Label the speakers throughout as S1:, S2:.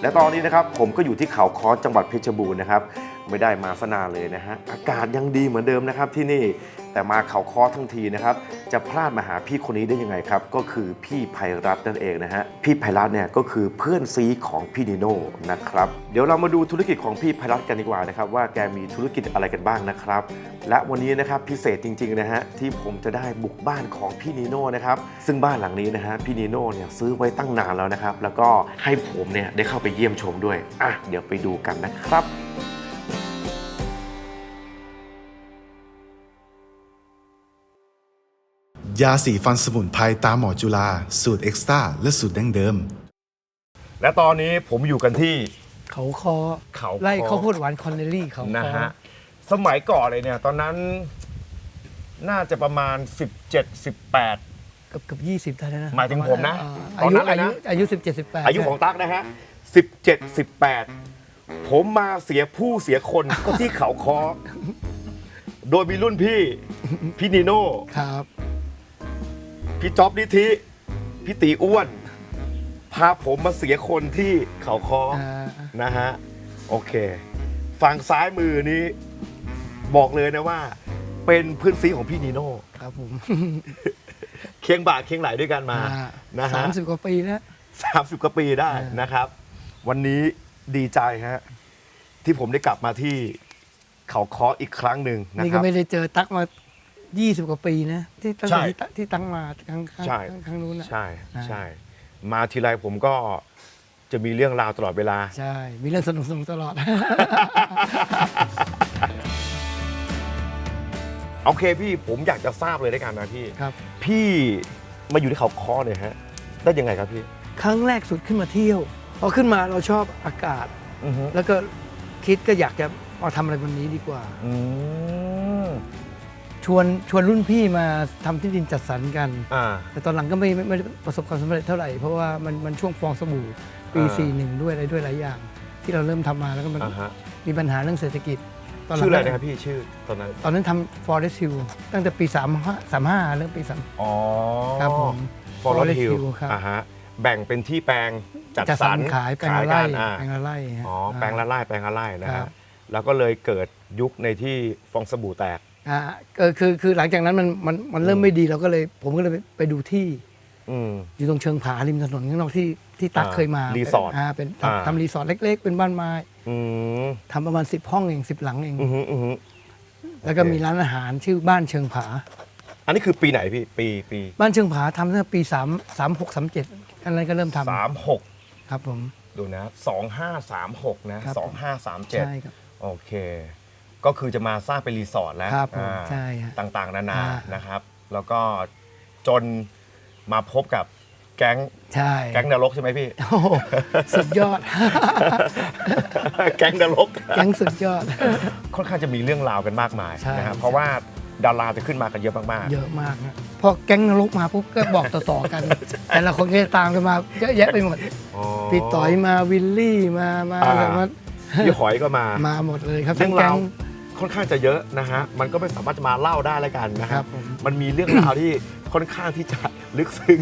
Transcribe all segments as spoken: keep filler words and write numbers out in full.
S1: และตอนนี้นะครับผมก็อยู่ที่เขาค้อจังหวัดเพชรบูรณ์นะครับไม่ได้มาสนานเลยนะฮะอากาศยังดีเหมือนเดิมนะครับที่นี่แต่มาเขาค้อทั้งทีนะครับจะพลาดมาหาพี่คนนี้ได้ยังไงครับก็คือพี่ไพรัตน์นั่นเองนะฮะพี่ไพรัตน์เนี่ยก็คือเพื่อนซีของพี่นิโน่นะครับเดี๋ยวเรามาดูธุรกิจของพี่ไพรัตน์กันดีกว่านะครับว่าแกมีธุรกิจอะไรกันบ้างนะครับและวันนี้นะครับพิเศษจริงๆนะฮะที่ผมจะได้บุกบ้านของพี่นิโน่นะครับซึ่งบ้านหลังนี้นะฮะพี่นิโน่เนี่ยซื้อไว้ตั้งนานแล้วนะครับแล้วก็ให้ผมเนี่ยได้เข้าไปเยี่ยมชมด้วยอ่ะเดี๋ยวไปดูกันนะครับ
S2: ยาสีฟันสมุนไพรตามหมอจุฬาสูตรเอ็กซ์ตร้าและสูตรดั้งเดิม
S1: และตอนนี้ผมอยู่กันที่
S3: เขาคอ
S1: เขาคอ
S3: ไล่ข้าวโพดหวานคอนเนลลี่เขาคอ
S1: นะฮะสมัยก่อนเลยเนี่ยตอนนั้นน่าจะประมาณสิบเจ็ด สิบแปด
S3: เกือบเกือบยี่สิบได้แล้วนะ
S1: หมายถึงผมนะ
S3: อ่า
S1: ตอนนั้นเลยนะ
S3: อายุสิบเจ็ดสิบแปด
S1: อายุของตั๊กนะฮะสิบเจ็ด สิบแปดผมมาเสียผู้เสียคนก็ที่เขาคอโดยมีรุ่นพี่พี่นิโน่
S3: ครับ
S1: พี่จ๊อบนิธิพี่ตีอ้วนพาผมมาเสียคนที่เขาคอ
S3: อ่า
S1: นะฮะโอเคฝั่งซ้ายมือนี้บอกเลยนะว่าเป็นเพื่อนซีของพี่นิโน่
S3: ครับผม
S1: เคียงบ่าเคียงไหลด้วยกันมา
S3: อ่า
S1: นะฮะ
S3: สามสิบกว่าปีแล้ว
S1: สามสิบกว่าปีได้
S3: อ่าน
S1: นะครับ วันนี้ดีใจฮะที่ผมได้กลับมาที่เขาค้ออีกครั้งหนึ่งนะ
S3: นี่
S1: ค
S3: ก็
S1: รับ
S3: ไม่ได้เจอตั๊กมายี่สิบกว่าปีนะที่ตั้ง
S1: ใช่
S3: แต่ที่ตั๊กที่ตั้งมาครั้งครั้ง
S1: ใช่
S3: ครั้งนู้นนะ
S1: ใช่
S3: อ่า
S1: ใช่ มาทีไรผมก็จะมีเรื่องราวตลอดเวลา
S3: ใช่ มีเรื่องสนุกสนุกตลอด
S1: โอเคพี่ผมอยากจะทราบเลยด้วยกันนะพี่
S3: ครับ
S1: พี่มาอยู่ที่เขาค้อเนี่ยฮะได้ยังไงครับพี่
S3: ครั้งแรกสุดขึ้นมาเที่ยวพอขึ้นมาเราชอบอากาศ
S1: อือฮึ
S3: แล้วก็คิดก็อยากจะมาทำอะไรบนนี้ดีกว่า
S1: อืม
S3: ชวนชวนรุ่นพี่มาทำที่ดินจัดสรรกัน
S1: อ่า
S3: แต่ตอนหลังก็ไม่ไม่ไม่ได้ประสบความสำเร็จเท่าไหร่ เพราะว่ามันมันช่วงฟองสบู่ปี
S1: อ่า
S3: สี่สิบเอ็ด ด้วยอะไรด้วยหลายอย่าง ที่เราเริ่มทำมาแล้วก็มัน
S1: อ่าฮะ
S3: มีปัญหาเรื่องเศรษฐกิจตอนหลั
S1: ชื่
S3: ง
S1: ออะไรนะครับพี่ชื่อตอนนั้น
S3: ตอนนั้นทำ Forest Hill ตั้งแต่ปีสามห้า สามห้าเริ่มปีสาม
S1: อ๋อ
S3: ครับผม
S1: ฟอร์
S3: Forest
S1: ฮิล
S3: Hill ครับ
S1: อ่าฮะแบ่งเป็นที่แปลงจัด
S3: จัด
S1: ส
S3: ส
S1: ร
S3: ร
S1: ร
S3: รขายแปลงละ
S1: กั
S3: ไร่
S1: นอ่า
S3: แปลงละไร่ฮะ
S1: อ๋อแปลงละไร่แปลงละไร่นะ
S3: ครั
S1: ฮะ
S3: บ
S1: แล้วก็เลยเกิดยุคในที่ฟองสบู่แตก
S3: อ่าก็คือคือหลังจากนั้นมันมันมันเริ่มไม่ดีเราก็เลย ผมก็เลยไปไปดูที่
S1: อืม
S3: อยู่ตรงเชิงผาริมถนนข้างนอกที่ที่ตั๊ก
S1: อ่า
S3: เคยมา
S1: รีสอร์ท
S3: อ่าเป็น
S1: อ่า
S3: ทำทำรีสอร์ทเล็ก ๆ เป็นบ้านไม้
S1: อืม
S3: ทำประมาณสิบห้องเองสิบหลังเอง
S1: อือฮึอือฮึ
S3: แล้วก็
S1: โอเค
S3: มีร้านอาหารชื่อบ้านเชิงผา
S1: อันนี้คือปีไหนพี่ปีปี
S3: บ้านเชิงผาทำตั้งแต่ปีสามสามหกสามเจ็ดอันนั้นก็เริ่มท
S1: สามหก
S3: ำครับผม
S1: ดูนะสองห้าสามหกนะครับ สองห้าสามเจ็ด
S3: ใช่ครับ
S1: โอเค ก็คือจะมาสร้างเป็นรีสอร์ทแล้ว
S3: ครับผม
S1: อ่า
S3: ใช่ฮะ
S1: ต่างๆ นานา
S3: อ่า
S1: นะครับ แล้วก็จนมาพบกับแก๊ง
S3: ใช่
S1: แก๊งนรกใช่ไหมพี่
S3: โอ้โหสุดยอด
S1: แก๊งนรก
S3: แก๊งสุดยอด
S1: ค่อนข้างจะมีเรื่องราวกันมากมาย
S3: ใช่
S1: นะครับเพราะว่าดาราจะขึ้นมากันเยอะมาก
S3: เยอะมากนะพอแก๊งนรกมาปุ๊บก็บอกต่อๆกัน แต่ละคนก็จะตามกันมาเยอะแยะไปหมด
S1: ๆอ๋อ
S3: พี่ต่อยมาวิลลี่มามา
S1: อ่า
S3: อะไรมา
S1: พี่หอยก็มา
S3: มาหมดเลยครับ
S1: เรื่
S3: ทั้
S1: อง ง
S3: แก๊
S1: ราว
S3: ง
S1: ค่อนข้างจะเยอะนะฮะมันก็ไม่สามารถจะมาเล่าได้แล้วกันนะค
S3: ครั
S1: รับบ
S3: ผม
S1: มันมีเรื่องราวที่ค่อนข้างที่จะลึกซึ้ง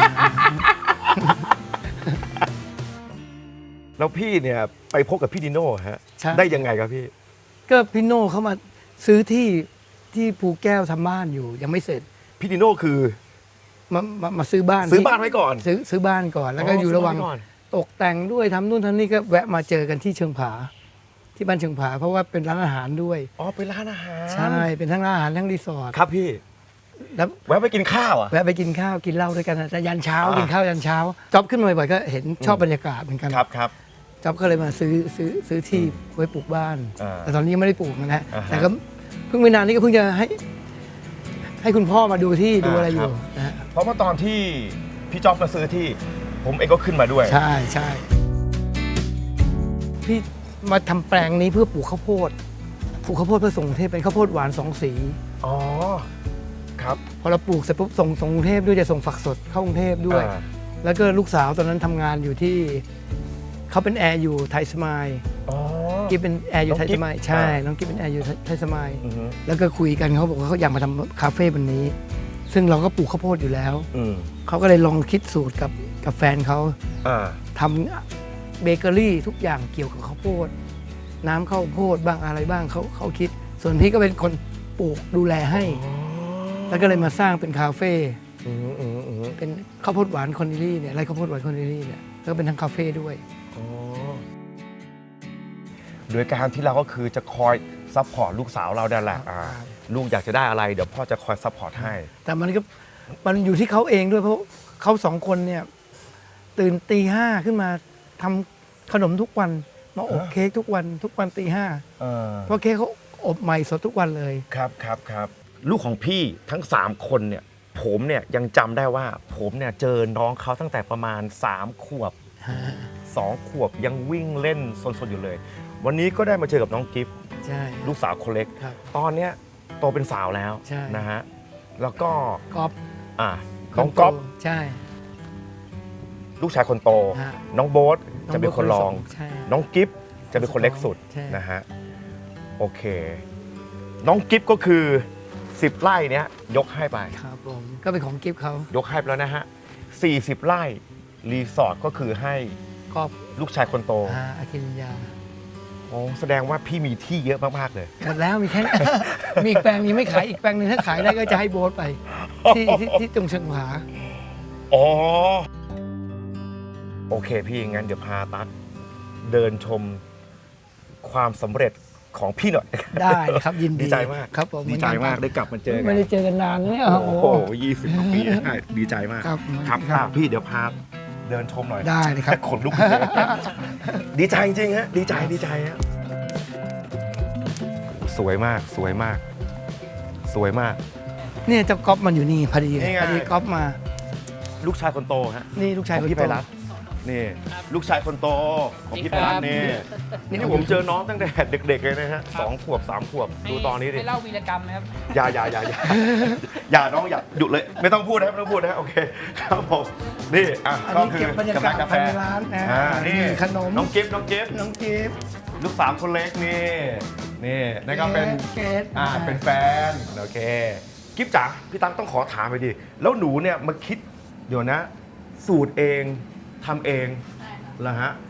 S1: แล้วพี่เนี่ยไปพบกับพี่ดิโน่ฮะ
S3: ใช่
S1: ได้ยังไงครับพี่
S3: ก็พี่โน่เขามาซื้อที่ที่ภูแก้วทำบ้านอยู่ยังไม่เสร็จ
S1: พี่ดิโน่คือ
S3: มามามาซื้อบ้าน
S1: ซื้อ
S3: ที่
S1: บ้านไว้ก่อน
S3: ซื้อซื้อบ้านก่อน แล้วก็อยู่ระหว่าง
S1: ซื้บ้นไก่อน
S3: ตกแต่งด้วยทำนู่นทำนี่ก็แวะมาเจอกันที่เชิงผา ที่บ้านเชิงผา เพราะว่าเป็นร้านอาหารด้วย
S1: อ๋อเป็นร้านอาหาร
S3: ใช่เป็นทั้งร้านอาหารทั้งรีสอร์ท
S1: ครับพี่
S3: แล้ว
S1: แวะไปกินข้าวอ่ะ
S3: แวะไปกินข้าวกินเหล้าด้วยกันนะแต่ยันเช้า
S1: อ่ากิ
S3: กินข้าวยันเช้าจ๊อบขึ้นมาบ่อยๆก็เห็นชอบบรรยากาศเหมือนกัน
S1: ครับครับ
S3: จ๊อบก็เลยมาซื้อซื้อซื้อที่ไว้ปลูกบ้าน
S1: อ่า
S3: แต่ตอนนี้ยังไม่ได้ปลูกนะฮะ
S1: อ่าฮะ
S3: แต่ก็เพิ่งไม่นานนี้ก็เพิ่งจะให้ ให้คุณพ่อมาดูที่ดูอะไรอยู่
S1: ครับ
S3: นะฮะ
S1: เพราะว่าตอนที่พี่จ๊อบมาซื้อที่ ผมเองก็ขึ้นมาด้วย
S3: ใช่ใช่พี่มาทำแปลงนี้เพื่อปลูกข้าวโพดปลูกข้าวโพดเพื่อส่งกรุงเทพเป็นข้าวโพดหวานสองสี
S1: อ๋อครับ
S3: พอเราปลูกเสร็จปุ๊บส่งส่งกรุงเทพด้วยจะส่งฝักสดเข้ากรุงเทพด้วย
S1: อ่า
S3: แล้วก็ลูกสาวตอนนั้นทำงานอยู่ที่เขาเป็นแอร์อยู่ไทยสมาย
S1: อ๋อ
S3: กิ๊บเป็นแอร์อยู่
S1: น้อง
S3: ไทย
S1: กิ๊
S3: ส
S1: บ
S3: มายใช่
S1: อ่า
S3: น้องกิ๊บเป็นแอร์อยู่ไทยสมาย
S1: อือฮึ
S3: แล้วก็คุยกันเขาบอกว่าเขาอยากมาทำคาเฟ่วันนี้ ซึ่งเราก็ปลูกข้าวโพดอยู่แล้ว
S1: อืม
S3: เขาก็เลยลองคิดสูตรกับกับแฟนเขา
S1: อ่า
S3: ทำเบเกอรี่ทุกอย่างเกี่ยวกับข้าวโพดน้ำข้าวโพดบ้างอะไรบ้างเขาเขาคิด ส่วนพี่ก็เป็นคนปลูกดูแลให้ แล้วก็เลยมาสร้างเป็นคาเฟ่
S1: อืมอืมอืม
S3: เป็นข้าวโพดหวานคอนดิลี่เนี่ยไร่ข้าวโพดหวานคอนดิลี่เนี่ยแล้วก็เป็นทั้งคาเฟ่ด้วย
S1: อ๋อโดยการที่เราก็คือจะคอยซัพพอร์ตลูกสาวเราได้แหละอ่าลูกอยากจะได้อะไรเดี๋ยวพ่อจะคอยซัพพอร์ตให้
S3: แต่มันก็มันอยู่ที่เขาเองด้วยเพราะเขาสองคนเนี่ยตื่นตีห้าขึ้นมาทำขนมทุกวันมาอบเค้กทุกวันทุกวันตีห้า
S1: เออ
S3: เพราะเค้กเขาอบใหม่สดทุกวันเลย
S1: ครับครับครับลูกของพี่ทั้งสามคนเนี่ยผมเนี่ยยังจำได้ว่าผมเนี่ยเจอน้องเขาตั้งแต่ประมาณสามขวบสองขวบยังวิ่งเล่นสนๆอยู่เลย วันนี้ก็ได้มาเจอกับน้องกิฟต์
S3: ใช่
S1: ลูกสาวคนเล็ก
S3: ครับ
S1: ตอนเนี้ยโตเป็นสาวแล้ว
S3: ใช่
S1: นะฮะแล้วก็
S3: กอล์ฟ
S1: อ่ะน้องก๊อฟ
S3: ใช่
S1: ลูกชายคนโต
S3: ฮะ
S1: น้องโบ๊ทจะเป็นคนรอง
S3: ใช่
S1: น้องกิฟต์จะเป็นคนเล็กสุด
S3: ใช่
S1: นะฮะโอเค น้องกิฟต์ก็คือสิบไร่เนี้ยยกให้ไป
S3: ครับผมก็เป็นของกิฟต์เขา
S1: ยกให้ไปแล้วนะฮะสี่สิบไร่รีสอร์ทก็คือให้
S3: กอล์ฟ
S1: ลูกชายคนโต
S3: อาอาคินยา
S1: โอ้แสดงว่าพี่มีที่เยอะมากๆเลย
S3: หมดแล้วมีแค่ นั้น มีอีกแปลงนี้ไม่ขายอีกแปลงหนึงถ้าขายได้ก็จะให้โบ๊ทไป ที่ที่ที่ตรงเชิงผา
S1: อ๋อ โอเคพี่งั้นเดี๋ยวพาตั๊กเดินชมความสำเร็จของพี่หน่อย
S3: ได้ครับยินดี
S1: ดีใจมาก
S3: ครับผม
S1: ดีใจมากได้กลับมาเจอกั
S3: ไม่
S1: น
S3: ได้เจอกันนานนะเนี่ย
S1: โอ้
S3: โอ้
S1: โห
S3: โห
S1: ยี่สิบกว่าปีได้ดีใจมาก
S3: ครับ
S1: ครับ
S3: ครับ
S1: อ่ะพี่เดี๋ยวพาเดินชมหน่อย
S3: ได้เลยครับ
S1: ขนลุกเลย ดีใจจริงๆฮะดีใจดีใจฮะสวยมากสวยมาก สวยมาก
S3: เนี่ยเจ้าก๊อฟมันอยู่นี่พอดี
S1: นี่ไง
S3: พอดีก๊อฟมา
S1: ลูกชายคนโตฮะ
S3: นี่ลูกชาย
S1: ของ
S3: คน
S1: พี่
S3: โต
S1: ไพรัตน์นี่ลูกชายคนโตของพี่ไพรัตน์นี่
S3: นี่
S1: นี่ผมเจอน้องตั้งแต่เด็กๆเลยนะฮะสองขวบสามขวบดูตอนนี้ดิ
S4: ให้เล่าวีรกรรมนะครับ
S1: อย่าอย่าอย่าอย่าอย่าน้องอย่าหยุดเลย ไม่ต้องพูดนะครับไม่ต้องพูดนะโอเคครับผมนี่อ่ะ
S3: อัน
S1: ก็
S3: นี้
S1: คื
S3: เก็
S1: อบ
S3: รรยากาศ
S1: กาแฟ
S3: ภายในร้านนะ
S1: อ่านี่
S3: มีขนม
S1: น้องกิฟต์น้องกิฟต์
S3: น้องกิฟต์
S1: ลูกสาวคนเล็กนี่นี่นั่นก็เป็น
S3: เกด
S1: อ่าเป็นแฟนโอเคกิฟจ๋าพี่ตั๊กต้องขอถามไปดิแล้วหนูเนี่ยมาคิดเดี๋ยวนะ สูตรเองทำเองเหรอฮะ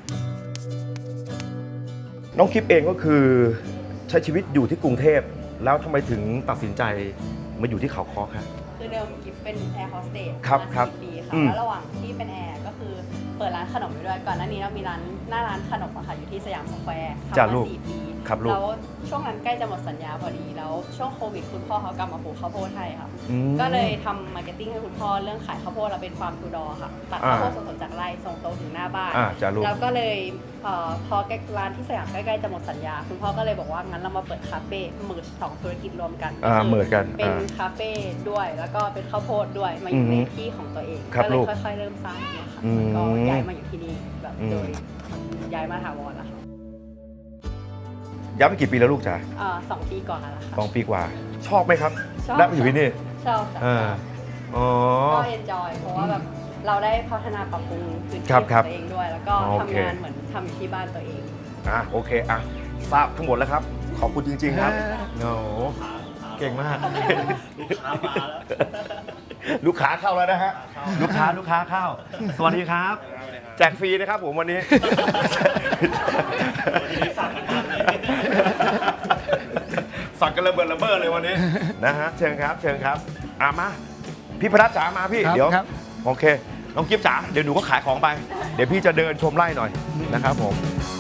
S1: น้องกิฟเองก็คือใช้ชีวิตอยู่ที่กรุงเทพแล้วทำไมถึงตัดสินใจมาอยู่ที่เขาค้อครับ
S5: คือเดิมกิฟเป็นแอร์โฮสเตส
S1: ครับ
S5: มา
S1: ครับ
S5: สี่ปีค่ะ
S1: อืม
S5: แล้วระหว่างที่เป็นแอร์ก็คือเปิดร้านขนมอยู่ด้วย ก่อนหน้านี้เรามีร้านหน้าร้านขนมอะค่ะอยู่ที่สยามสแควร์ทำ
S1: จ้ะ
S5: มา
S1: ลูก
S5: สี่ปี
S1: ครับลูก
S5: แล้วช่วงนั้นใกล้จะหมดสัญญาพอดี แล้วช่วงโควิดคุณพ่อเขากลับมาปลูกข้าวโพดให้ค่ะ
S1: อืม
S5: ก็เลยทำมาร์เก็ตติ้งให้คุณพ่อเรื่องขายข้าวโพดเราเป็นฟาร์มทูดอร์ค่ะ ตัด
S1: อ่า
S5: ข้าวโพดสดๆจากไร่ส่งตรงถึงหน้าบ้าน
S1: อ่าจ้ะลูก
S5: แล้วก็เลยเอ่อพอใกล้ร้านที่สยามใกล้ๆจะหมดสัญญา คุณพ่อก็เลยบอกว่างั้นเรามาเปิดคาเฟ่เมิร์จสองธุรกิจรวมกัน
S1: อ่า
S5: คื
S1: เหมือนกัน
S5: เป็น
S1: อ่า
S5: คาเฟ่ด้วยแล้วก็เป็นข้าวโพดด้วยมาอยู่ใน
S1: อือฮึ
S5: ที่ของตัวเอง
S1: ครับ
S5: ก็เล
S1: ลู
S5: ย
S1: ก
S5: ค่อยๆเริ่มสร้างเนี่ยค่ะ
S1: อืม
S5: ก็ย้ายมาอยู่ที่นี่แบบ
S1: อืม
S5: โดยย้ายมาถาวรแล้วค่ะ
S1: ย้ายไปกี่ปีแล้วลูกจ๋า
S5: เอ่อสองปีก่อนแล้วล่ะ
S1: ส
S5: ค่ะ
S1: องปีกว่า ชอบไหมครับ
S5: ชอบ
S1: ได้มาอยู่ที่นี่
S5: ชอบจ้ะ
S1: อ่าอ๋อ
S5: ก็เอนจอยเพราะว่าแบบเราได้พัฒนาปรับปรุงพื้นที่
S1: ครั
S5: ข
S1: บครับ
S5: องตัวเองด้วย แล้วก็
S1: โอเค
S5: ทำงานเหมือนทำอยู่ที่บ้านตัวเอง
S1: อ่ะโอเคอ่ะทราบทั้งหมดแล้วครับ ขอบคุณจริง ๆ ครับโอ้โหเก่งมาก ลูกค้าเข้าแล้วนะฮะลูกค้าลูกค้าเข้า สวัสดีครับ แจกฟรีนะครับผมวันนี้ สั่งกันระเบิดระเบ้อเลยวันนี้นะฮะเชิญครับเชิญครับอ่ะมาพี่พนัทจ๋ามาพี่
S3: ครับ
S1: เดี๋ยว
S3: ครับ
S1: โอเคน้องกิฟจ๋าเดี๋ยวหนูก็ขายของไป เดี๋ยวพี่จะเดินชมไร่หน่อยนะครับผม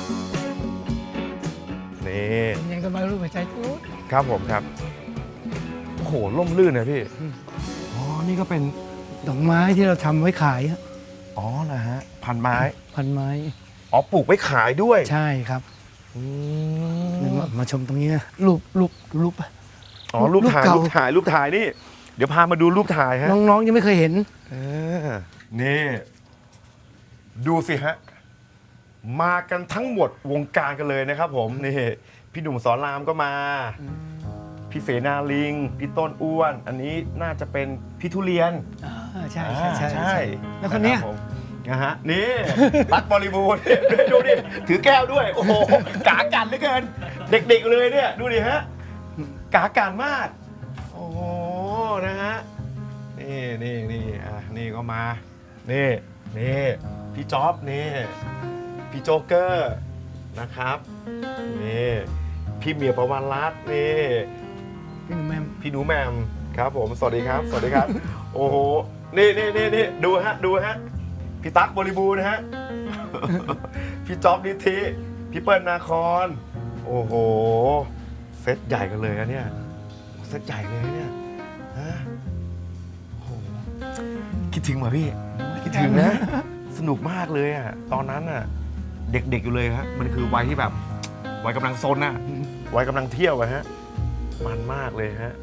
S1: นี่
S3: ยังจะมารู้หัวใจพูด
S1: ครับผมครับโอ้โหร่มรื่นนะพี่
S3: อืม
S1: อ๋อนี่ก็เป็น
S3: ดอกไม้ที่เราทำไว้ขายอะ
S1: อ๋อนะฮะพันไม้
S3: พันไม้
S1: อ๋อปลูกไว้ขายด้วย
S3: ใช่ครับ
S1: อื
S3: เดี๋ยว
S1: ม
S3: มามาชมตรงนี้นะรูปรูปรูป
S1: อ๋อรูปถ่าย
S3: รู
S1: รู
S3: ป
S1: ป
S3: เก่า
S1: ถ่ายรูปถ่ายนี่ เดี๋ยวพามาดูรูปถ่ายฮะ
S3: น้องๆยังไม่เคยเห็น
S1: เออนี่ดูสิฮะ มากันทั้งหมดวงการกันเลยนะครับผมนี่พี่หนุ่มสอนรามก็มา พี่เสนาลิง พี่ต้นอ้วน อันนี้น่าจะเป็นพี่ทุเรียน
S3: อ่าใช่ใช่ใช่
S1: อ่า
S3: ใช่แล้วคนเนี้ย
S1: ะรับผมนะฮะนี่ รักบริบูรณ์ดูดิถือแก้วด้วย โอ้โหกากันเหลือเกิน เด็กๆเลยเนี่ย ดูดิฮะกากันมาก โอ้โหนะฮะนี่นี่นี่อ่ะนี่ก็มา นี่นี่พี่จ๊อบนี่พี่โจ๊กเกอร์นะครับนี่พี่เมียประวันรัตน์นี่
S3: พี่หนุ่มแม่ม
S1: พี่หนูแหมมครับผมสวัสดีครับ สวัสดีครับ โอ้โหนี่นี่นี่นี่ดูฮะดูฮะพี่ตั๊กบริบูรณ์นะฮะ พี่จ๊อบนิธิพี่เปิ้ลนาคอนโอ้โหเซตใหญ่กันเลยนะเนี่ยเซตใหญ่เลยนะเนี่ยฮะโอ้โหคิดถึงเหรอพี่คิดถึงนะ สนุกมากเลยอ่ะตอนนั้นอ่ะเด็กๆอยู่เลยฮะมันคือวัยที่แบบวัยกำลังซนน่ะวัยกำลังเที่ยวอะฮะมันมากเลยฮะ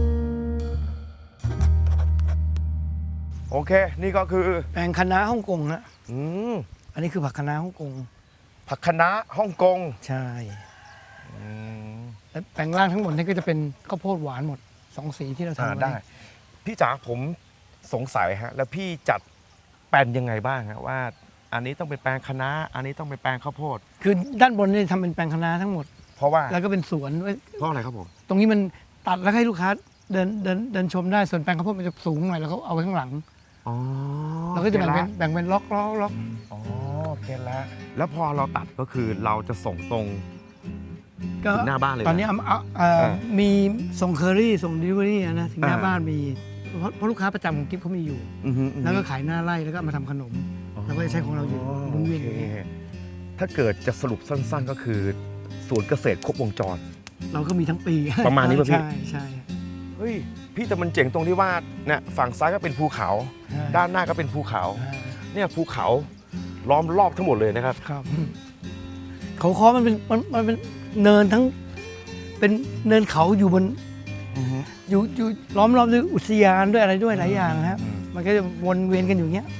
S1: โอเคนี่ก็คือ
S3: แปลงคะน้าฮ่องกงฮะ
S1: อืม
S3: อันนี้คือผักคะน้าฮ่องกง
S1: ผักคะน้าฮ่องกง
S3: ใช่
S1: อืม
S3: และแปลงล่างทั้งหมดนี่ก็จะเป็นข้าวโพดหวานหมดสองสีที่เรา
S1: อ่า
S3: ทำไว้
S1: ได้ พี่จ๋าผมสงสัยฮะแล้วพี่จัดแปลนยังไงบ้างฮะว่า อันนี้ต้องเป็นแปลงคะน้าอันนี้ต้องเป็นแปลงข้าวโพด
S3: คือด้านบนนี่ทำเป็นแปลงคะน้าทั้งหมด
S1: เพราะว่า
S3: แล้วก็เป็นสวนไว้
S1: เพราะอะไรครับผม
S3: ตรงนี้มันตัดแล้วให้ลูกค้าเดินเดินเดินชมได้ส่วนแปลงข้าวโพดมันจะสูงหน่อยแล้วก็เอาไว้ข้างหลัง
S1: อ๋อ
S3: เราก็จะแบ่งเป็นแบ่งเป็นล็อกล็อกล็อก
S1: อ๋อโอเคแล้วแล้วพอเราตัดก็คือเราจะส่งตรง
S3: ก็
S1: ถึงหน้าบ้านเลยนะ
S3: ตอนนี้เอาเอาเอ่อ
S1: เออ
S3: มีส่งเคอรี่ส่งดิลิเวอรี่นะถึงหน้า
S1: อ่า
S3: บ้านมีเพราะเพราะลูกค้าประจำของกิฟเขามีอยู่
S1: อือฮึอือฮึ
S3: แล้วก็ขายหน้าไร่แล้วก็เอามาทำขนม เราก็จะใช้ของเราอยู่หมุนเวียนอยู่
S1: โอเคถ้าเกิดจะสรุปสั้นๆก็คือสวนเกษตรครบวงจร
S3: เราก็มีทั้งปี
S1: ประมาณนี้ป่ะพี่
S3: ใช่ใช่
S1: เฮ้ยพี่แต่มันเจ๋งตรงที่ว่าเนี่ยฝั่งซ้ายก็เป็นภูเขา
S3: ใช่
S1: ด้านหน้าก็เป็นภูเขา
S3: อ่า
S1: เนี่ยภูเขาล้อมรอบทั้งหมดเลยนะครับ
S3: ครับเขาคอมันเป็นมันมันเป็นเนินทั้ง เป็นเนินเขาอยู่บนอยู่อยู่ล้อมรอบด้วยอุทยานด้วยอะไรด้วยหลายอย่างนะครับ
S1: อืม
S3: มันก็จะวนเวียนกันอยู่อย่างเงี้ย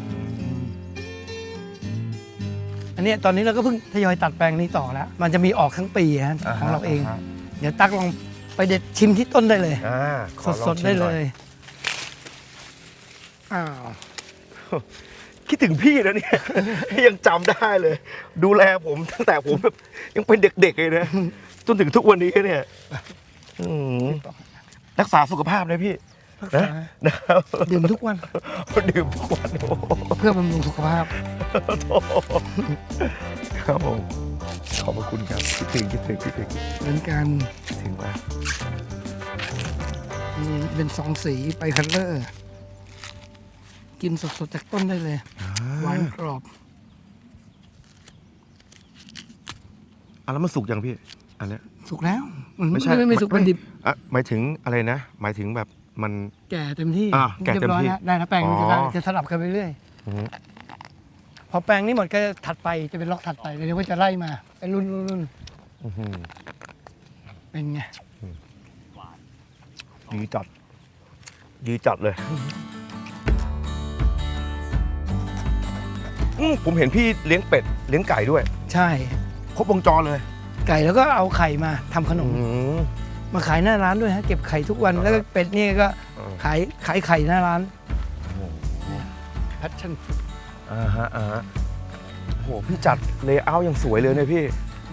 S3: อันเนี้ยตอนนี้เราก็เพิ่งทยอยตัดแปลงนี้ต่อแล้ว มันจะมีออกทั้งปีฮะของเราเอง เดี๋ยวตักลองไปเด็ดชิมที่ต้นได้เลย
S1: อ่าขอลอง
S3: สด
S1: ชิ
S3: ๆ
S1: ม
S3: ได้
S1: ห
S3: เล
S1: น่อย
S3: อ้าว
S1: คิดถึงพี่นะเนี่ย ยังจำได้เลย ดูแลผมตั้งแต่ผมแบบยังเป็นเด็กๆเลยนะจนถึงทุกวันนี้เนี่ยอืมรักษาสุขภาพนะพี่
S3: รัก
S1: นะ
S3: ษา
S1: นะครับ
S3: ดื่มทุกวัน
S1: ดื่มทุกวันโอ้โห
S3: เพื่อบำรุงสุขภาพ
S1: ครับผมขอบพระคุณครับคิดถึงคิดถึงคิดถึง
S3: เหมือนกัน
S1: คิดถึงมาก
S3: นี่เป็นสองสีไปคัลเลอร์ กินสดๆจากต้นได้เลย หวานกรอบ
S1: อ่ะแล้วมันสุกยังพี่ อันเนี้ย
S3: สุกแล้วมัน
S1: ไม่ใช่
S3: ไม่ไม่สุกมันดิบ
S1: อ่ะหมายถึงอะไรนะ หมายถึงแบบมัน
S3: แก่เต็มที่
S1: อ่ะแก่เต็มที่
S3: รียบร้อยแล้วได้แล้วแปลงมันจะ
S1: อ๋อ
S3: ได้จะสลับกันไปเรื่อย
S1: อืม
S3: พอแปลงนี้หมดก็ถัดไปจะเป็นล็อกถัดไปเดี๋ยวก็จะไล่มาเป็นรุ่นรุ่นรุ่น
S1: อื้อหือ
S3: เป็นไง
S1: ดีจัดดีจัดเลยอืมผมเห็นพี่เลี้ยงเป็ดเลี้ยงไก่ด้วย
S3: ใช่
S1: ครบวงจรเลย
S3: ไก่แล้วก็เอาไข่มาทำขนม
S1: อืม
S3: มาขายหน้าร้านด้วยฮะเก็บไข่ทุกวัน
S1: อ๋อ
S3: แล้วก็เป็ดนี่ก็
S1: เออ
S3: ขายขายไข่หน้าร้าน
S1: โอ้โห
S3: แพชชั่น
S1: อ่าฮะอ่าฮะโอ้โหพี่จัดเลเยอร์อย่างสวยเลยเนี่ยพี่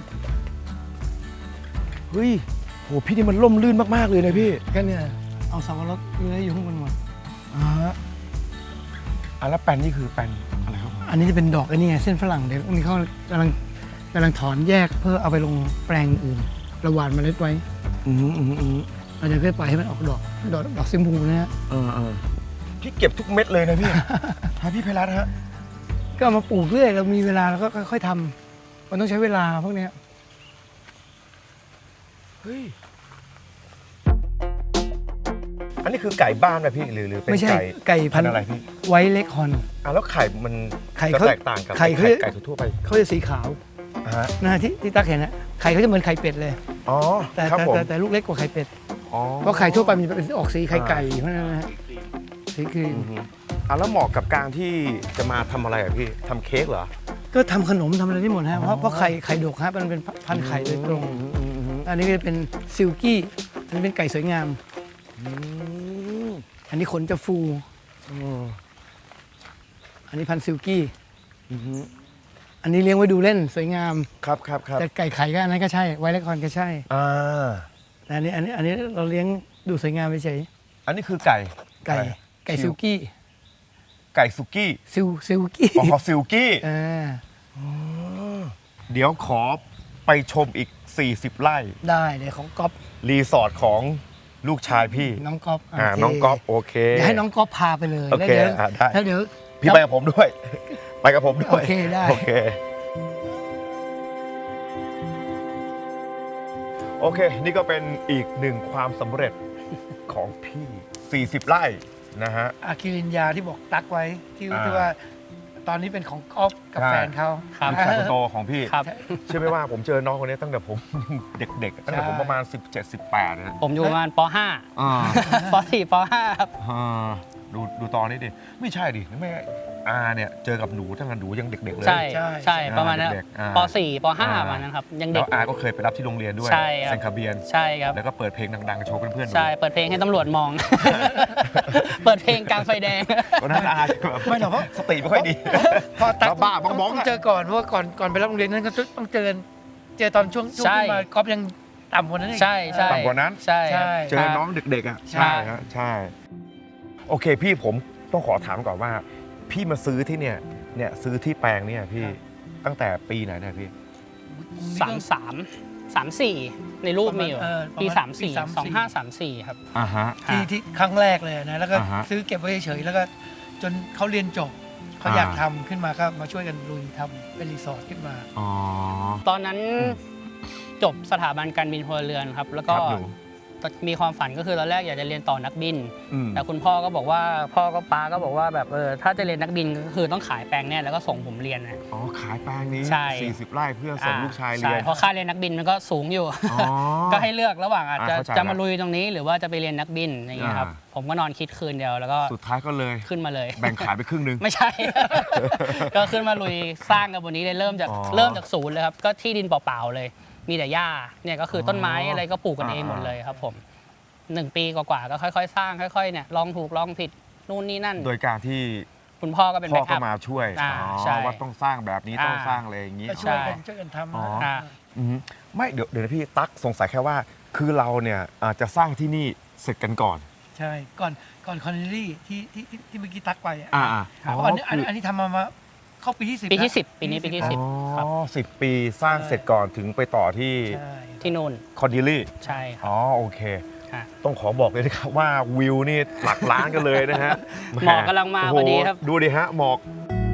S1: เฮ้ยโหพี่นี่มันล่มลื่นมากๆเลยนะพี่
S3: ก็เนี่ยเอาสับปะรดเลื้อยอยู่ข้างบนหมด
S1: อ่าฮะอ่ะแล้วแป้นนี่คือแป้นอะไรครับ
S3: อันนี้จะเป็นดอกไอ้นี่ไงเส้นฝรั่งเดี๋ยวนี้เขากำลังกำลังถอนแยกเพื่อเอาไปลงแปลงอื่นเราหว่านเมล็ดไว้
S1: อืมอืมอืม
S3: เราจะค่อยปล่อยให้มันออกดอกดอกดอกซิมพูนะฮะ
S1: เออเออพี่เก็บทุกเม็ดเลยนะพี่ ฮะพี่ไพรัตน์ฮะ
S3: ก็เอามาปลูกเรื่อยเรามีเวลาเราก็ค่อยๆทำมันต้องใช้เวลาพวกเนี้ย
S1: เฮ้ยอันนี้คือไก่บ้านนะพี่หรือหรือเป็น
S3: ไม่ใช่
S1: ไก่
S3: ไก่พัน
S1: พันธุ์
S3: ธุ์
S1: อะไรพี่
S3: ไว้เล็กฮอน
S1: อ่ะแล้วไข่มัน
S3: ไข่
S1: จะ
S3: เขา
S1: แตกต่างกับ
S3: ไข่เขา
S1: ไก่ทั่วไป
S3: เขาจะสีขาว
S1: อ่ะฮะ
S3: นะที่ที่ตักเห็นนะไข่เขาจะเหมือนไข่เป็ดเลย
S1: อ๋อ
S3: แต่
S1: ครับ
S3: แต่
S1: ผม
S3: แต่แต่ลูกเล็กกว่าไข่เป็ด
S1: อ๋อ
S3: เพราะไข่ทั่วไปมันจะเป็นออกสีไข่ไก่เพราะฉะนั้นนะฮะสีครีม
S1: อือฮึอ่ะแล้วเหมาะกับการที่จะมาทำอะไรอ่ะพี่ทำเค้กเหรอ
S3: ก็ทำขนมทำอะไรได้หมดฮะเพราะเพราะไข่ไข่ดกฮะมันเป็นพันธุ์ไข่โดยตรง
S1: อืมอืมอืม
S3: อันนี้ก็จะเป็นซิลกี้อันนี้เป็นไก่สวยงาม
S1: อืม
S3: อันนี้ขนจะฟู
S1: อืม
S3: อันนี้พันธุ์ซิลกี้
S1: อืม
S3: อันนี้เลี้ยงไว้ดูเล่นสวยงาม
S1: ครับครับครับ
S3: แต่ไก่ไข่ก็อันนั้นก็ใช่ไวท์และคอนก็ใช่
S1: อ่า
S3: แต่อันนี้อันนี้อันนี้เราเลี้ยงดูสวยงามเฉย
S1: อันนี้คือไก่
S3: ๆไก่ไก่ซิลกี้
S1: ไก่สุกี้
S3: ซิลซิลกี้
S1: อ๋อซิลกี้
S3: อ่า
S1: เดี๋ยวขอไปชมอีก สี่สิบ ไร่
S3: ได้เลยของก๊อฟ
S1: รีสอร์ทของลูกชายพี่
S3: น้องก๊อฟ
S1: อ่า
S3: โเค
S1: น้องก๊อฟโอเค
S3: เดี๋ยวให้น้องก๊อฟพาไปเลย
S1: โอ
S3: แล้ว
S1: เค
S3: เดี๋ยว
S1: อ่ะได้
S3: แล้วเดี๋ยว
S1: พี่ไปกับผมด้วย ไปกับผมด้วย
S3: โอเคได้
S1: โอเคโอเค นี่ก็เป็นอีกหนึ่งความสำเร็จของพี่ สี่สิบ ไร่นะฮะ
S3: อาคิรินยาที่บอกตักไว้ที่
S1: อ่า
S3: ที่ว่าตอนนี้เป็นของก๊อฟกับ
S1: ใช่
S3: แฟนเขา
S5: ครับ
S1: ลูกชายคนโตของพี่
S5: ครับ
S1: เชื่อไหมว่าผมเจอน้องคนนี้ตั้งแต่ผม เด็กๆ ตั้งแต่ผมประมาณ สิบเจ็ด สิบแปดนะ
S5: ผมอยู่ประมาณป .ห้า
S1: อ่า
S5: ป .สี่ ป .ห้า ครับ
S1: อ่าดูดูตอนนี้ดิ ไม่ใช่ดิแม่อาเนี่ยเจอกับหนูตั้งแต่หนูยังเด็กๆเลย
S5: ใช่ใช่ประมาณนั้น
S1: เด็กๆอ่า
S5: ป .สี่ ป .ห้า
S1: อ่า
S5: ประมาณนั้นครับยัง
S1: แล้
S5: เด็
S1: ว
S5: ก
S1: อาก็เคยไปรับที่โรงเรียนด้วย
S5: ใช่ครับ
S1: เซนคาเบียน
S5: ใช่ครับ
S1: แล้วก็เปิดเพลงดังๆ โชว์เพื่อนๆดู
S5: ใช่เปิดเพลงให้ตำรวจมอง เปิดเพลงกลางไฟแดง
S1: ตอนนั้นอาแบบ
S3: ไม่หรอกเพราะ
S1: สติไม่ค่อยดี
S3: พอตัก
S1: บ้าๆบ้องๆ
S3: ต้
S1: อะ
S3: เจอก่อนเพราะว่าก่อนก่อนไปรับโรงเรียนนั้นก็ต้องเจอเจอตอนช่วงช่วง
S5: ใช่
S3: ที่มาก๊อฟยังต่ำกว่านั้นอีก
S5: ใช่ใช่
S1: ต่ำกว่านั้น
S5: ใช่ครับ
S3: ใช่
S1: เจอน้องเด็กๆอ่ะ
S3: ใช่
S1: ฮะใช่ โอเคพี่ผมต้องขอถามก่อนว่า พี่มาซื้อที่เนี่ยเนี่ยซื้อที่แปลงเนี่ยพี่ตั้งแต่ปีไหนเนี่ยพี่
S5: สามสามสามสี่ในรูปมีอยู่
S3: เออประมาณ
S5: ปีสามสี่
S3: ปีสามสี่
S5: สองห้าสามสี่ครับ
S1: อ่าฮะ
S3: ที่ที่ครั้งแรกเลยนะแล้วก็
S1: อ่าฮะ
S3: ซื้อเก็บไว้เฉยๆแล้วก็จนเขาเรียนจบเขา
S1: อ่า
S3: อยากทำขึ้นมาก็มาช่วยกันลุยทำเป็นรีสอร์ทขึ้นมา
S1: อ๋อ
S5: ตอนนั้นจบสถาบันการบินพลเรือนครับ แล้วก็
S1: ครับหนู
S5: มีความฝันก็คือตอนแรกอยากจะเรียนต่อนักบิน
S1: อืม
S5: แต่คุณพ่อก็บอกว่าพ่อก็ป้าก็บอกว่าแบบเออถ้าจะเรียนนักบินก็คือต้องขายแปลงเนี่ยแล้วก็ส่งผมเรียนนะ
S1: อ๋อขายแปลงนี้
S5: ใช่
S1: สี่สิบ ไร่เพื่อส่งลูกชายเรียน
S5: ใช่เพราะค่าเรียนนักบินมันก็สูงอยู่
S1: อ๋อ
S5: ก็ให้เลือกระหว่างอาจจะ
S1: อ่าเข้าใจ
S5: จะมา
S1: ละ
S5: ลุยตรงนี้ หรือว่าจะไปเรียนนักบินอย่างเงี้ยครับ
S1: อ่า
S5: ผมก็นอนคิดคืนเดียวแล้วก็
S1: สุดท้ายก็เลย
S5: ขึ้นมาเลย
S1: แบ่งขายไปครึ่งหนึง
S5: ไม่ใช่ ก็ขึ้นมาลุยสร้างกันบนนี้เลยเริ่มจาก
S1: อ๋อ
S5: เริ่มจากศูนย์เลยครับก็ที่ดินเปล่าๆเลย มีแต่หญ้าเนี่ยก็คืออ
S1: อ
S5: ต้นไม้อะไรก็ปลูกกันเอง
S1: อ่า
S5: หมดเลยครับผมหนึ่งปีกว่าๆก็ค่อยๆ สร้างค่อยๆเนี่ยลองถูกลองผิดนู่นนี่นั่น
S1: โดยการที่
S5: คุณพ่อก็เป็น
S1: พ่
S5: แบ็
S1: อก ก็
S5: อัพ
S1: มาช่วย
S5: อ่า
S1: อ๋อ
S5: ใช่
S1: ว่าต้องสร้างแบบนี้
S5: อ่า
S1: ต้องสร้างอะไรอย่างนี้
S3: ก็ช่วยกัน
S5: ใช่
S3: ช่วยกันทำ
S1: อ๋อ
S3: นะ
S1: อือฮึไม่เดี๋ยวเดี๋ยวนะพี่ตั๊กสงสัยแค่ว่า คือเราเนี่ยอาจจะสร้างที่นี่เสร็จกันก่อน
S3: ใช่ก่อนก่อนคอนเนลลี่ที่ที่ที่ที่เมื่อกี้ตักไปอ่ะ
S1: อ่า
S3: เพราะอันนี้อันนี้อันนี้ทำมามาเข้าปีที่สิบ
S5: ปีที่
S3: แล้ว
S5: สิบปีนี้ปีที่สิบ ครับ
S1: อ๋อสิบปีสร้างเสร็จก่อนถึงไปต่อที่
S3: ใช่
S5: ที่นู่น
S1: คอนดิลี่
S5: ใช่ครับ
S1: อ๋อโอเค
S5: ฮะ
S1: ต้องขอบอกเลยนะครับว่าวิวนี่หลักล้านกันเลยนะฮะ
S5: หมอกกำลังมา
S1: โโห
S5: พอดีครับ
S1: ดูดิฮะหมอก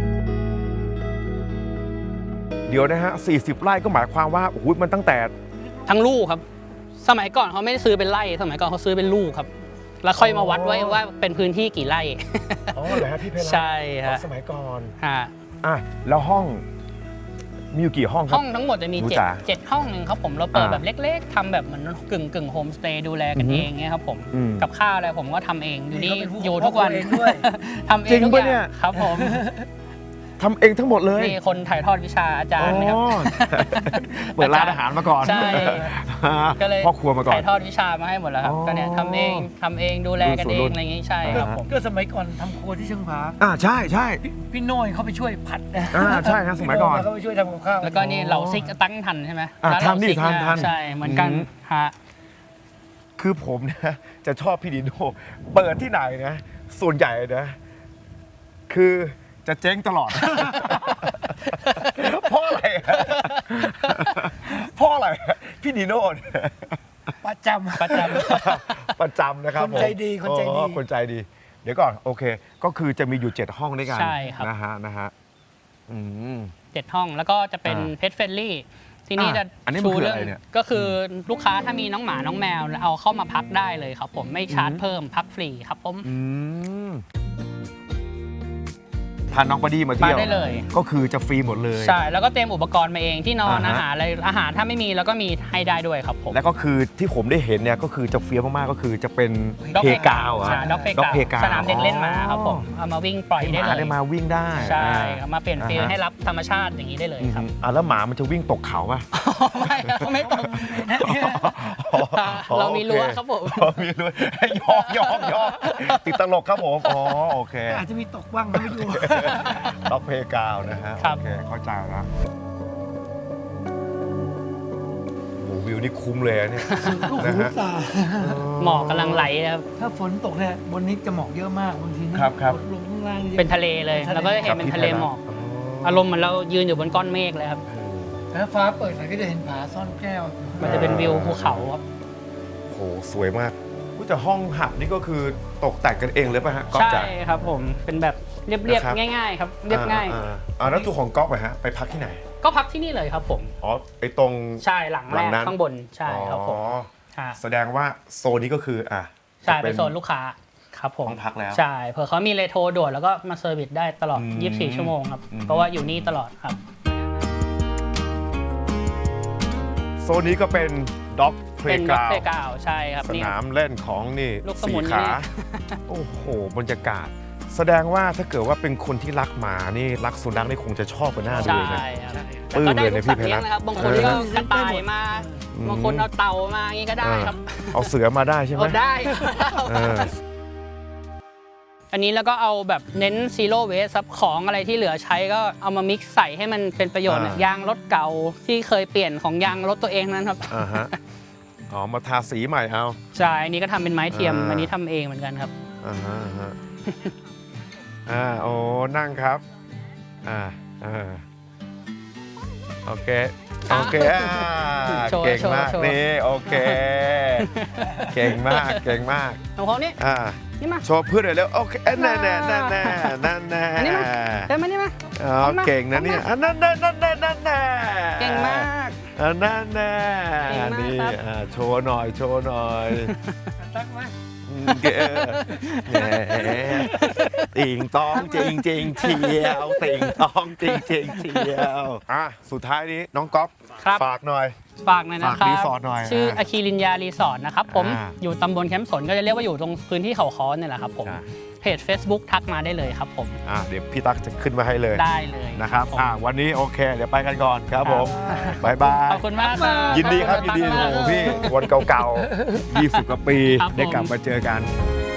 S1: เดี๋ยวนะฮะสี่สิบ ไร่ก็หมายความว่าโอ้โหมันตั้งแต่
S5: ทั้งลูกครับ สมัยก่อนเขาไม่ได้ซื้อเป็นไร่ สมัยก่อนเขาซื้อเป็นลูกครับ แล้วค่อยมาวัดไว้ว่าเป็นพื้นที่กี่ไร่
S1: อ๋อเหรอฮะพี่เพลา
S5: ใช่
S1: อ๋อ
S5: ฮะ
S1: สมัยก่อน
S5: ฮะ
S1: อ่ะแล้วห้องมีอยู่กี่ห้องครั
S5: ห้
S1: บ
S5: องทั้งหมดจะมี
S1: หนู
S5: เจ็ด
S1: จ๋า
S5: เจ็ดห้องหนึ่งครับผมเราเปิด
S1: อ่า
S5: แบบเล็กๆทำแบบเหมือนกึ่งกึ่งโฮมสเตย์ดูแลกัน
S1: อือฮึ
S5: เองเงี้ยครับผม
S1: อืม
S5: กับข้าวอะไรผมก็ทำเองอยู่นี่
S3: เขาเป็นผู้
S5: อยู่ทุกวัน
S3: พ่อครัวเองด้วย
S5: ทำเอ
S1: จริ
S5: ง
S1: ง
S5: ทุก
S1: ปะ
S5: อ
S1: เนี่
S5: ย่าย งครับผม
S1: ทำเองทั้งหมดเลย
S5: นี่คนถ่ายทอดวิชาอาจารย์นะครับ
S1: อ๋อเปิดร้านอาหารมาก่อน
S5: ใช่ ก็เลย
S1: พ่อครัวมาก่อน
S5: ถ่ายทอดวิชามาให้หมดแล้วครับ
S1: อ๋อ
S5: ก็เนี่ยทำเองทำเองดูแลกันเอ
S1: รุ่
S5: ง
S1: นสู่รุ่น
S5: อะไรอย่างงี้ใช่
S1: อ่า
S5: ครับผม
S3: ก็สมัยก่อนทำครัวที่เชียงผา
S1: อ่าใช่ใช่
S3: พี่พี่โน้ยเขาไปช่วยผัดนะ
S1: อ่าใช่ครับสมัยก่อน
S3: พี่โเขาไปช่วยทำกับข้าว
S5: แล้วก็นี่เหล่าซิกตั้งทันใช่ไหม
S1: อ่า
S5: ร้าเหล่
S1: ทันดิ
S5: ซิก
S1: ทันทัน
S5: ใช่เหมือนกัน
S1: อืม
S5: ฮะ
S1: คือผมนะจะชอบพี่ดิโน่เปิดที่ไหนนะ ส่วนใหญ่นะ คือจะเจ๊งตลอด เพราะอะไรอะเพราะอะไรอะพี่ดิโน่เนี่ย
S3: ประจำ
S5: ประจ
S1: ประจำนะครับ
S3: คนใจดี
S1: ผม
S3: คนใจดี
S1: อ๋อคนใจดี เดี๋ยวก่อนโอเค ก็คือจะมีอยู่เจ็ดห้องด้วยกัน
S5: ใช่ครับ
S1: นะฮะนะฮะอืม
S5: เจ็ดห้องแล้วก็จะเป็น
S1: อ่า
S5: เพ t เฟ n ลี่ที่นี่
S1: อ่ะ
S5: จะ
S1: อันนี้มัน
S5: ชู
S1: คือ
S5: เรื่
S1: อะไรเนี่ย
S5: ก็คือลูกค้าถ้ามีน้องหมาน้องแมวเอาเข้ามาพักได้เลยครับผมไม่ชาร์จเพิ่มพักฟรีครับผม
S1: อืมพาน้องบอดี้มาเที่ยว
S5: มาได้เลย
S1: ก็คือจะฟรีหมดเลย
S5: ใช่แล้วก็เตรียมอุปกรณ์มาเองที่นอน
S1: อ่าฮะ
S5: อาหารอะไรอาหารถ้าไม่มีแล้วก็มีให้ได้ด้วยครับผม
S1: แล้วก็คือที่ผมได้เห็นเนี่ยก็คือจะเฟี้ยวมากๆก็คือจะเป็น
S5: Dog
S1: เพกาวอะ
S5: ใช่ด็อกเพ
S1: Dog
S5: กา
S1: Playground
S5: สนามเด็กเล่นหมาครับผมเอามาวิ่งปล่อย
S1: ให้ห
S5: ได้
S1: มา
S5: เล
S1: ได้
S5: ย
S1: มาวิ่งได้
S5: ใช่
S1: อ่า
S5: เอามาเปลี่ยนฟิล
S1: อ่าฮะ
S5: ให้รับธรรมชาติอย่างนี้ได้เลย
S1: อืม
S5: ครับ
S1: อ่ะแล้วหมามันจะวิ่งตกเขาป่ะ
S5: ไม่ครับไม่ต้องเรามีรั้วครับผม
S1: อ๋อมีรั้วให้ยอกยอกยอกติดตลกครับผมอ๋อโอเค
S3: อาจจะมีตกบ้างนะไม่ดู
S1: ด็อกเพกาวนะฮะ
S5: ครับ
S1: โอเคเข้าใจแล้วโอ้โหวิวนี่คุ้มเลยอะเนี่ย
S3: ลูก
S1: นะ
S3: หู
S1: ฮะ
S3: ตา
S5: หมอกกำลังไหลนะครับ
S3: ถ้าฝนตกเนี่ยบนนี้จะหมอกเยอะมากบางทีนี่
S1: ครับครับ
S3: ลงข้างล่างนี่
S5: เป็นทะเลเลย
S3: เป็นทะเล
S5: แล้วก็จะเห็นเป็นทะเลหมอก อารมณ์เหมือนเรายืนอยู่บนก้อนเมฆเลยครับ
S3: ทถ้าฟ้าเปิดหน่อยก็จะเห็นผาซ่อนแก้ว
S4: มันจะเป็นวิวภูเขาครับ
S1: โหสวยมากอุ๊ยแต่ห้องหับนี่ก็คือตกแต่งกันเองเลยป่ะฮะก๊อฟ
S4: ใช่
S1: จ๋า
S4: ครับผมเป็นแบบเรียบ
S1: นะครับ
S4: ๆง่ายๆครับเรียบง่าย
S1: อ่าอ่าแล้วตัวของก๊อฟอะฮะไปพักที่ไหน
S4: ก็พักที่นี่เลยครับผม
S1: อ๋อไอตรง
S4: ใช่หลัง
S1: ห
S4: แร
S1: ลัง
S4: ก
S1: นั้น
S4: ข้างบนใช่ครับผม
S1: อ๋อ
S4: ค่ะ
S1: แสดงว่าโซนนี้ก็คืออ่ะ
S4: ใช่
S1: จะ
S4: เป็นโซนลูกค้าครับผม
S1: ห้องพักแล้ว
S4: ใช่เผื่อเขามีเลโทรด่วนแล้วก็มาเซอร์วิสได้ตลอด
S1: อืม
S4: ยี่สิบสี่ ชั่วโมงครับ
S1: อืม
S4: เพราะว่าอยู่นี่ตลอดครับ
S1: โซนนี้ก็เป็นด็อกเพล
S4: เป็น
S1: ย์ก
S4: ด็อก
S1: ราว
S4: เพลย์กราวใช่ครับ
S1: ส
S4: นี่
S1: นามเล่นของนี่
S4: ลูกส
S1: สี
S4: มุน
S1: ขา
S4: นี่
S1: โอ้โหบรรยากาศ แสดงว่าถ้าเกิดว่าเป็นคนที่รักหมานี่รักสุนัขนี่คงจะชอบกันหน้าดู
S4: ใช่
S1: เลยนะ
S4: ครับ
S1: ปลื้
S4: แต่
S1: ม
S4: ก็ได้
S1: เลย
S4: ลู
S1: นะ
S4: ก
S1: พี่
S4: สัตว์เลี้ยง
S1: เพชร
S4: นะครับบางคนก็กระต่ายมา
S1: อืม
S4: บางคนเอาเต่ามาอย่างนี้ก็ได้ครับ
S1: เอาเสือมาได้ใช่ไหม
S4: เอาได้
S1: เออ
S4: อันนี้แล้วก็เอาแบบเน้นซีโร่เวสครับของอะไรที่เหลือใช้ก็เอามามิกซ์ใส่ให้มันเป็นประโยชน์
S1: อ่า
S4: ยางรถเก่าที่เคยเปลี่ยนของยางรถตัวเองนั้นครับ
S1: อ่าฮะอ๋อมาทาสีใหม่เอา
S4: ใช่อันนี้ก็ทำเป็นไม้เทียม
S1: อ่า
S4: อันนี้ทำเองเหมือนกันครับ
S1: อ่าฮะอ่าฮะอ่าโอ้นั่งครับอ่าอ่าโอเคโอเคอ่า
S4: โชว์
S1: เก่ง
S4: โชว์
S1: มาก
S4: โชว์
S1: นี่โอเค เก่งมากเก่งมาก
S4: ของเขานี่
S1: อ่า
S4: นี่มา
S1: โชว์เพื่อนหน่อยเร็วโอเคเอ้ยแน่แน่แน่แน่นั่นแน่
S4: อันนี้มา เดินมานี่มา
S1: อ๋อ
S4: เอามา
S1: เก่งนะเนี่ยอันนั่นแน่นั่นแน่นั่นแน่
S4: เก่งมาก
S1: อันนั่นแน่
S4: เก่งมาก
S1: นี่
S4: ครับ
S1: อ่าโชว์หน่อยโชว์หน่อย
S3: ตั้งไหม
S1: อืมเก๋แหมติ่งต้องจริงจริงๆเชียวติ่งต้องจริงจริงๆเชียวอ่ะสุดท้ายนี้น้องก๊อฟ
S4: ครับ
S1: ฝากหน่อย
S4: ฝากหน่อยนะครั
S1: ฝากรี
S4: บ
S1: สอร์ทหน่อย
S4: ชื่อ
S1: อ่า
S4: อาคีรินยารีสอร์ทนะครับผม
S1: อ่า
S4: อยู่ตำบลแคมป์สนก็จะเรียกว่าอยู่ตรงพื้นที่เขาค้อเนี่ยแหละครับผม
S1: ใช่
S4: เพจ Facebook ทักมาได้เลยครับผม
S1: อ่ะเดี๋ยวพี่ตั๊กจะขึ้นมาให้เลย
S4: ได้เลย
S1: นะครับ
S4: ผม
S1: อ่ะวันนี้โอเค เดี๋ยวไปกันก่อนครับผมบายบาย
S4: ขอบคุณมากครับ
S1: ยินดีครับยินดี
S4: ข
S1: โอ้
S4: อบ
S1: โห
S4: คุณมาก
S1: พี่วันเก่าๆยี่สิบกว่าปี
S4: ครับผม
S1: ได้กลับมาเจอกัน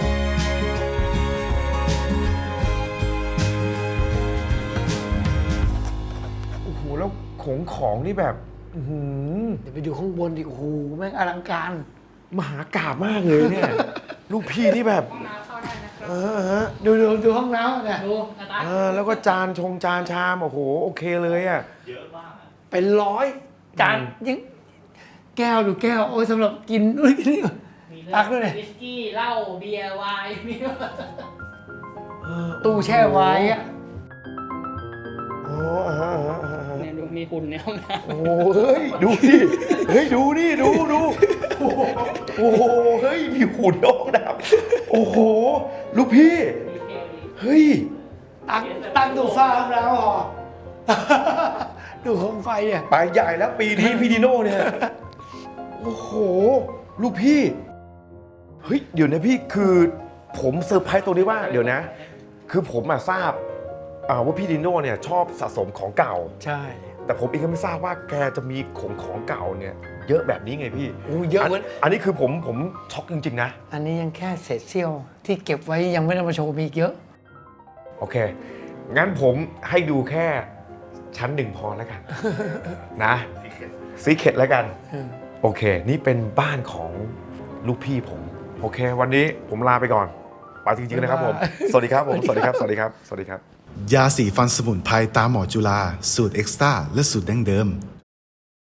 S1: โอ้โหแล้วของของนี่แบบอื้อหือ
S3: เดี๋ยวไปดูข้างบนดิโอ้โหแม่งอลังการ
S1: มหากาพย์มากเลยเนี่ย ลูกพี่นี่แบบ
S4: ห้องน้ำเข้าได้นะครับ
S1: เออฮะ
S3: ดูดูดูห้องน้ำเนี่ย
S4: ดูอาตา
S1: เออแล้วก็จานชงจานชามโอ้โหโอเคเลยอ่ะ
S3: เป็นร้อยจานยังแก้วดูแก้วโอ้ยสำหรับกินนู่นกินนี่
S4: มี
S3: ตักด้วยเลย
S4: วิสกี้เหล้าเบียร์ไวน์มีหมด
S1: เออ
S3: ตู้แช่ไว้อะ
S1: อ๋ออ่าฮะอ่าฮะอ่าฮะ
S4: เนี่ยดูมีหุ่นในห้องน้ำ
S1: โอ้โหเฮ้ยดูดิเฮ้ยดูนี่ดูดูโอ้โหโอ้โหเฮ้ยมีหุ่นน้องดับโอ้โหลูกพี่เฮ้ย
S3: ตั้งตั้งตู้ฟ้าห้องน้ำหรอ ดูโคมไฟเนี่ย
S1: ไปใหญ่แล้วปีนี้พี่ดิโน่เนี่ยโอ้โหลูกพี่เฮ้ยเดี๋ยวนะพี่คือผมเซอร์ไพรส์ตรงนี้ว่าเดี๋ยวนะ คือผมมาทราบอ่าว่าพี่ดิโน่เนี่ยชอบสะสมของเก่า
S3: ใช่
S1: แต่ผมเองก็ไม่ทราบว่าแกจะมีของของเก่าเนี่ยเยอะแบบนี้ไงพี่
S3: โอ้เยอะเหมือน
S1: อันนี้คือผมผมช็อกจริงๆนะ
S3: อันนี้ยังแค่เศษเสี้ยวที่เก็บไว้ยังไม่ได้มาโชว์มีอีกเยอะ
S1: โอเค งั้นผมให้ดูแค่ชั้นหนึ่งพอแล้วกัน นะซีเคร็ตแล้วกัน โอเค นี่เป็นบ้านของลูกพี่ผม โอเค วันนี้ผมลาไปก่อน ไปจริงๆนะครับผม สวัสดีครับผม สวัสดีครับ สวัสดีครับ สวัสดีครับ
S2: ยาสีฟันสมุนไพรตาหมอจุฬาสูตรเอ็กซ์ตร้าและสูตรดั้งเดิม